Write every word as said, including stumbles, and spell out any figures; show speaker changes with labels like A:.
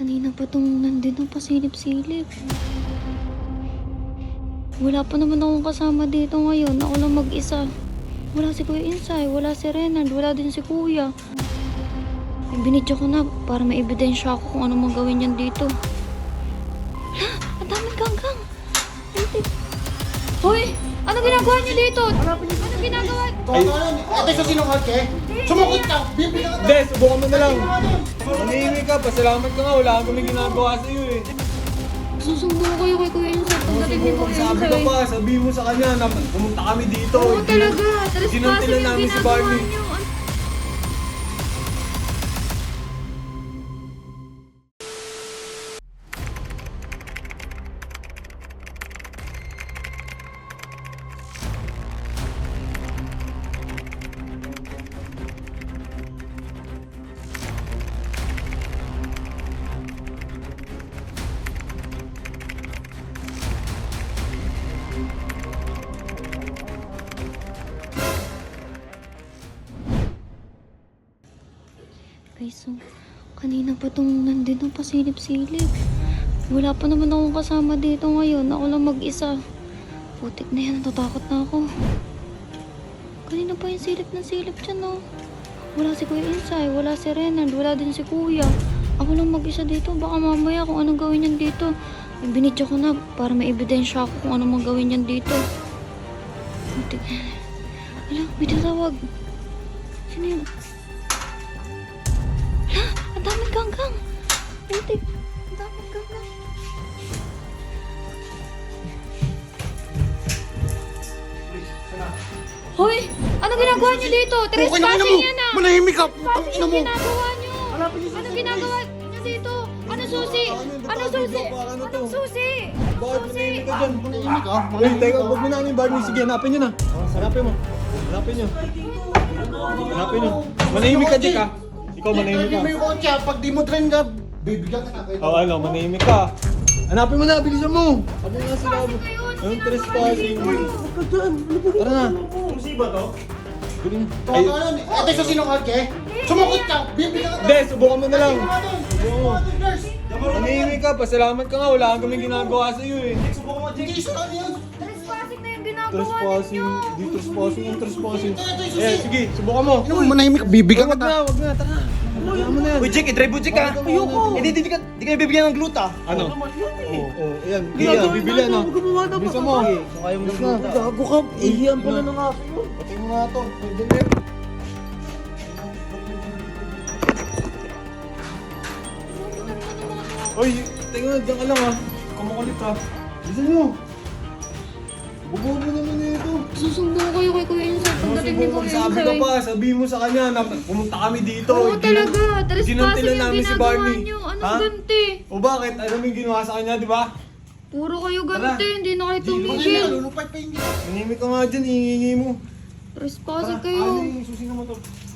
A: Kanina pa tong nandito pasilip-silip. Wala pa naman akong kasama dito ngayon. Ako lang mag-isa. Wala si Kuya Insay, wala si Renard, wala din si Kuya. Binidyo ko na para may ebidensya ako kung ano mang gawin yan dito. Hala, ang daming ganggang. Hoy, ano ginagawa niyo dito? Ano ginagawa?
B: Ay, ate sa sinungaling ka eh. Sumukot ka, bibigyan ka.
C: Hindi, subukan mo na lang. Manihimik ka, pasalamat ka nga. Wala kang kaming ginagawa sa'yo eh.
A: Susumbong kayo kay Kuya Insay. Pagdating ni Kuya
C: Sabi ka
A: Insay.
C: pa, sabihin mo sa kanya na pumunta kami dito.
A: Oo talaga,
C: Ginuntilan
A: trespassing yung
C: namin si
A: ginagawa
C: Barney.
A: niyo. Guys, so, kanina pa tong nandito pasilip-silip. Wala pa naman akong kasama dito ngayon. Ako lang mag-isa. Putik na yan, natatakot na ako. Kanina pa yung silip na silip dyan, no? Wala si Kuya Insay, wala si Renard, wala din si Kuya. Ako lang mag-isa dito. Baka mamaya kung anong gawin yan dito. Binidyo ko na para may ebidensya ako kung anong gawin yan dito. Putik. Hala, may tatawag. Sino yun? Hala, ang daming ganggang. Putik. Ang daming ganggang. Hoy! Ano ginagawa niyo dito? Trespassing yan ah!
B: Manahimik ka.
A: Trespassing
B: Ina
A: yung
B: mo.
A: ginagawa niyo! Ano ginagawa niyo dito? Ano susi? Ano susi? Anong susi?
C: Bakit manihimik ka dyan?
B: Manahimik ka.
C: Uy, teka, huwag mo na kami Barney. Sige, hanapin nyo na. Hanapin mo. Hanapin nyo. Hanapin nyo. Manahimik ka, Jack, ha? Ikaw, manahimik ka.
B: Hindi mo yung kotse ah. Pag di mo train ka, bibigyan ka na.
C: Oo, ano, manahimik ka. Hanapin mo na, bilisan mo. Ano nga sila mo? Anong trespassing? Tara na. Musiba to? Galing. Ay,
B: Totoo yun. Ate sa sinungaling ka eh. Sumukot ka, bibigyan ka.
C: hindi, subukan mo na lang.
B: Subukan mo.
C: Manahimik ka, pasalamat ka nga. Wala kang kaming ginagawa sa'yo eh.
B: Hindi isa ka yan.
A: Trespassing na yung ginagawa
C: Trespassing.
A: ninyo!
C: Di trespassing, yung trespassing.
B: Ito, ito, ito,
C: Eh,
B: ito.
C: sige, subukan mo.
B: Ano mo, manahimik ka, bibigyan
C: Wag
B: ka.
C: na, wag na, tara na. Hayaan mo na yan.
D: Uy, Jake, i-drive mo, Jake, ha?
C: Ayoko.
D: Hindi, di, di, ka, di ka nabibigyan ng gluta.
C: Ano? Oo, oo, ayan. Kaya, bibili ano. Bisa mo.
D: Kung ayaw mo ng
C: Bis na.
D: gluta.
C: Gago ka. Ihiyan pala ng aso yun. Patay mo nga to. Pwede na yun. Uy, tingnan, diyan ka lang ha. Kumukulit ha. Bisa nyo. Bubuo mo naman na ito.
A: Susumbong kayo kay Kuya Insay. Pagdating ni Kuya
C: Sabi ka
A: Insay.
C: pa, sabihin mo sa kanya na pumunta kami dito.
A: Oo
C: Ginu-
A: talaga, trespassing
C: ginuntilan
A: yung
C: namin si
A: ginagawa
C: Barney.
A: niyo. Anong
C: Ha?
A: ganti?
C: O bakit? Ano yung ginawa sa kanya, di ba?
A: Puro kayo ganti,
C: Tara.
A: hindi na kayo
C: Di-
B: Manahimik ka,
A: tumigil.
B: lulupay pa yun.
C: Manimik ka nga dyan, hihingi mo.
A: Trespassing
C: Tara,
A: kayo.
C: ano yung susi na motor?